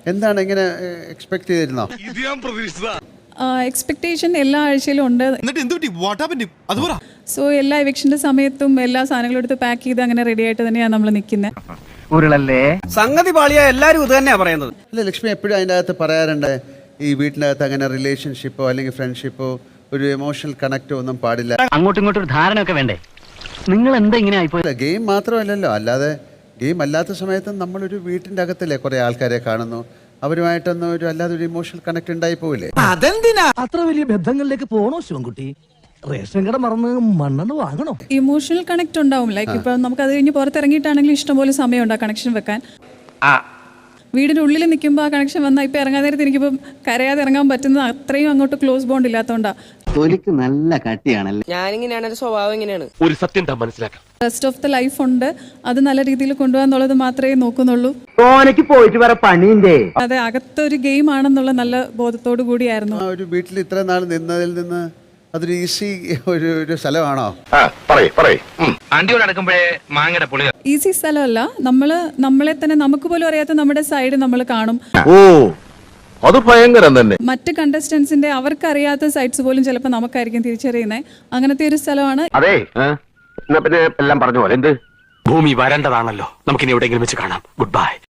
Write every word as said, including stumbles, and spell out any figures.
എന്താണ് ഇങ്ങനെ എക്സ്പെക്ട് ചെയ്തിരുന്നോ? എക്സ്പെക്ടേഷൻ എല്ലാ ആഴ്ചയിലും ഉണ്ട്. സോ എല്ലാ എവിക്ഷന്റെ സമയത്തും എല്ലാ സാധനങ്ങളും എടുത്ത് പാക്ക് ചെയ്ത് അങ്ങനെ റെഡി ആയിട്ട് തന്നെയാണ് നമ്മൾ നിൽക്കുന്നത്. ഉരുളല്ലേ സംഗതി പാളിയ എല്ലാരും ഇത് തന്നെയാ പറയുന്നത്. അല്ല, ലക്ഷ്മി എപ്പോഴും അതിൻ്റെ അകത്ത് പറയാറുണ്ട്, ഈ വീട്ടിനകത്ത് അങ്ങനെ റിലേഷൻഷിപ്പോ അല്ലെങ്കിൽ ഫ്രണ്ട്ഷിപ്പോ ഒരു എമോഷണൽ കണക്റ്റോ ഒന്നും പാടില്ല. അങ്ങോട്ടും ഇങ്ങോട്ടും ഒരു ധാരണ ഒക്കെ വേണ്ടേ? നിങ്ങൾ എന്താ ഇങ്ങനെ ആയിപ്പോയി? ഗെയിം മാത്രമല്ലല്ലോ, അല്ലാതെ ഗെയിം അല്ലാത്ത സമയത്തും നമ്മളൊരു വീട്ടിൻ്റെ അകത്തല്ലേ കുറേ ആൾക്കാരെ കാണുന്നു, അവരുമായിട്ടൊന്നും ഒരു അല്ലാതെ ഒരു ഇമോഷണൽ കണക്ട് ഉണ്ടായി പോവില്ലേ? അതെന്തിനാ അത്ര വലിയ ബന്ധങ്ങളിലേക്ക് പോണോ ശിവൻകുട്ടി? റേഷൻ കട മറന്ന് മണ്ണെണ്ണ വാങ്ങണോ? ഇമോഷണൽ കണക്ട് ഉണ്ടാവും. ലൈക്ക് ഇപ്പൊ നമുക്ക് അത് കഴിഞ്ഞ് പുറത്തിറങ്ങിയിട്ടാണെങ്കിലും ഇഷ്ടംപോലെ സമയം ഉണ്ട് ആ കണക്ഷൻ വെക്കാൻ. വീടിന്റെ ഉള്ളിൽ നിൽക്കുമ്പോൾ ആ കണക്ഷൻ വന്നാൽ ഇപ്പൊ ഇറങ്ങാൻ നേരത്തെ എനിക്കിപ്പം കരയാതെ ഇറങ്ങാൻ പറ്റുന്നത് അത്രയും അങ്ങോട്ട് ക്ലോസ് ബോണ്ട് ഇല്ലാത്തതുകൊണ്ടാ. തൊലിക്ക് നല്ല കട്ടിയാണല്ലേ. ഞാനിങ്ങനെയാണ്, ഒരു സ്വഭാവം ഇങ്ങനെയാണ്. ഒരു സത്യം മനസ്സിലാക്കാം. റെസ്റ്റ് ഓഫ് ദ ലൈഫ് ഉണ്ട്, അത് നല്ല രീതിയിൽ കൊണ്ടുപോകാന്നുള്ളത് മാത്രമേ നോക്കുന്നുള്ളൂ. ഓനക്ക് പോയിട്ട് വേറെ പണിയുണ്ടേ. അതെ, അകത്തൊരു ഗെയിം ആണെന്നുള്ള നല്ല ബോധത്തോടു കൂടിയായിരുന്നു. ആ ഒരു വീട്ടിൽ ഇത്ര നാൾ നിന്നതിൽ നിന്ന് അതൊരു ഈസി ഒരു ഒരു സ്ഥലമാണോ? ഈസി സ്ഥലമല്ല. നമ്മള് നമ്മളെ തന്നെ നമുക്ക് പോലും അറിയാത്ത നമ്മുടെ സൈഡ് നമ്മൾ കാണും. ഓ, അത് ഭയങ്കരം തന്നെ. മറ്റ് കണ്ടസ്റ്റൻസിന്റെ അവർക്ക് അറിയാത്ത സൈഡ്സ് പോലും ചിലപ്പോൾ നമുക്കായിരിക്കും തിരിച്ചറിയുന്നത്. അങ്ങനത്തെ ഒരു സ്ഥലമാണ്. അതെ, പിന്നെ എല്ലാം പറഞ്ഞു പോലെ എന്ത് ഭൂമി വരേണ്ടതാണല്ലോ. നമുക്കിനി എവിടെയെങ്കിലും വെച്ച് കാണാം. Good bye.